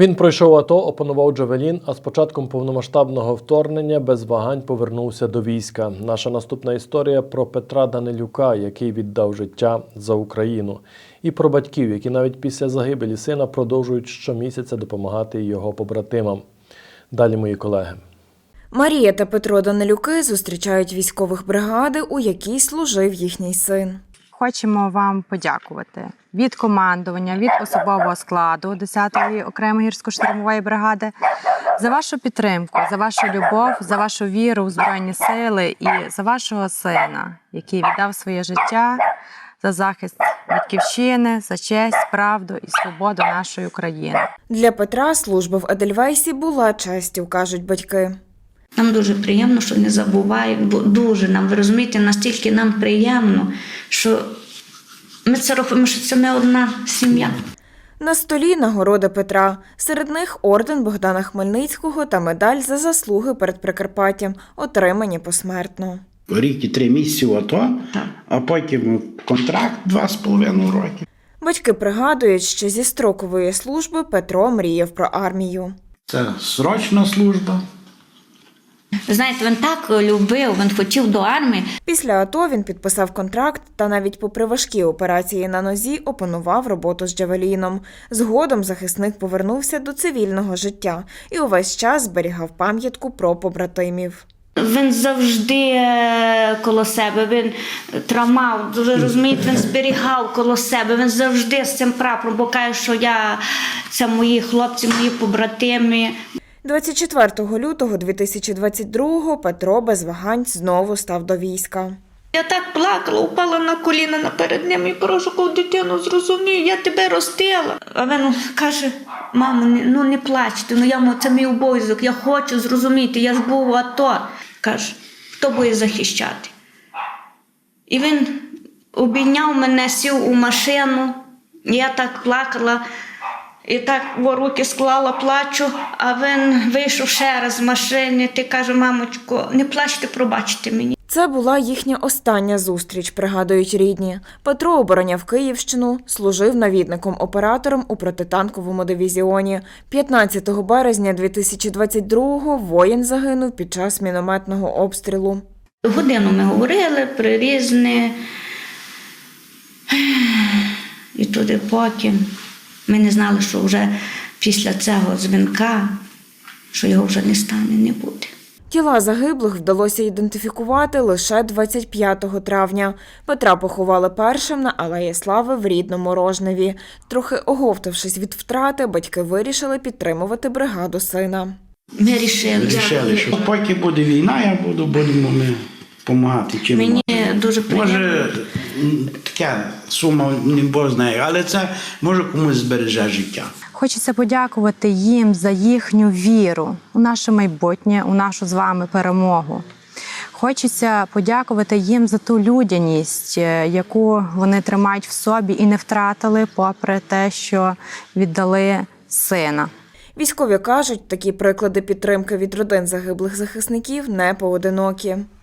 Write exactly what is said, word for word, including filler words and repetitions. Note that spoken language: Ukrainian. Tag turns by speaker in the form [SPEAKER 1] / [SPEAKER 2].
[SPEAKER 1] Він пройшов АТО, опанував джавелін, а з початком повномасштабного вторгнення без вагань повернувся до війська. Наша наступна історія про Петра Данилюка, який віддав життя за Україну. І про батьків, які навіть після загибелі сина продовжують щомісяця допомагати його побратимам. Далі мої колеги.
[SPEAKER 2] Марія та Петро Данилюки зустрічають військових бригади, у якій служив їхній син.
[SPEAKER 3] Хочемо вам подякувати від командування, від особового складу десятої окремої гірсько-штурмової бригади за вашу підтримку, за вашу любов, за вашу віру в Збройні Сили і за вашого сина, який віддав своє життя за захист батьківщини, за честь, правду і свободу нашої України.
[SPEAKER 2] Для Петра служба в Едельвейсі була честю, кажуть батьки.
[SPEAKER 4] Нам дуже приємно, що не забувають, бо дуже нам, ви розумієте, настільки нам приємно, що ми це робимо, що це не одна сім'я.
[SPEAKER 2] На столі нагороди Петра. Серед них орден Богдана Хмельницького та медаль за заслуги перед Прикарпаттям, отримані посмертно.
[SPEAKER 5] Рік і три місяці в АТО, а потім контракт два з половиною роки.
[SPEAKER 2] Батьки пригадують, що зі строкової служби Петро мріяв про армію.
[SPEAKER 5] Це срочна служба.
[SPEAKER 4] Знаєте, він так любив, він хотів до армії.
[SPEAKER 2] Після АТО він підписав контракт та навіть попри важкі операції на нозі опанував роботу з джавеліном. Згодом захисник повернувся до цивільного життя і увесь час зберігав пам'ятку про побратимів.
[SPEAKER 4] Він завжди коло себе, він тримав, ви розумієте, він зберігав коло себе, він завжди з цим прапором, бо каже, що я, це мої хлопці, мої побратими.
[SPEAKER 2] двадцять четвертого лютого дві тисячі двадцять другого Петро без вагань знову став до війська.
[SPEAKER 4] Я так плакала, упала на коліна наперед ним і прошу, кого дитину зрозумію, я тебе ростила. А він каже, мамо, ну не плачте, ну я, це мій обов'язок, я хочу зрозуміти, я ж був у АТО. Каже, хто буде захищати? І він обійняв мене, сів у машину, я так плакала. І так в руки склала, плачу, а він вийшов ще раз з машини. Ти каже, мамочко, не плачте, пробачте мені.
[SPEAKER 2] Це була їхня остання зустріч, пригадують рідні. Петро обороняв Київщину, служив навідником-оператором у протитанковому дивізіоні. п'ятнадцятого березня дві тисячі двадцять другого воїн загинув під час мінометного обстрілу.
[SPEAKER 4] Годину ми говорили при різне, і туди поки. Ми не знали, що вже після цього дзвінка, що його вже не стане, не буде.
[SPEAKER 2] Тіла загиблих вдалося ідентифікувати лише двадцять п'ятого травня. Петра поховали першим на Алеї Слави в рідному Рожневі. Трохи оговтавшись від втрати, батьки вирішили підтримувати бригаду сина.
[SPEAKER 4] Ми рішили,
[SPEAKER 5] Рішили, що поки буде війна, я буду, будемо ми допомагати. Чим
[SPEAKER 4] мені дуже приємно.
[SPEAKER 5] Може, така сума, не Бог знає, але це може комусь збереже життя.
[SPEAKER 3] Хочеться подякувати їм за їхню віру у наше майбутнє, у нашу з вами перемогу. Хочеться подякувати їм за ту людяність, яку вони тримають в собі і не втратили, попри те, що віддали сина.
[SPEAKER 2] Військові кажуть, такі приклади підтримки від родин загиблих захисників не поодинокі.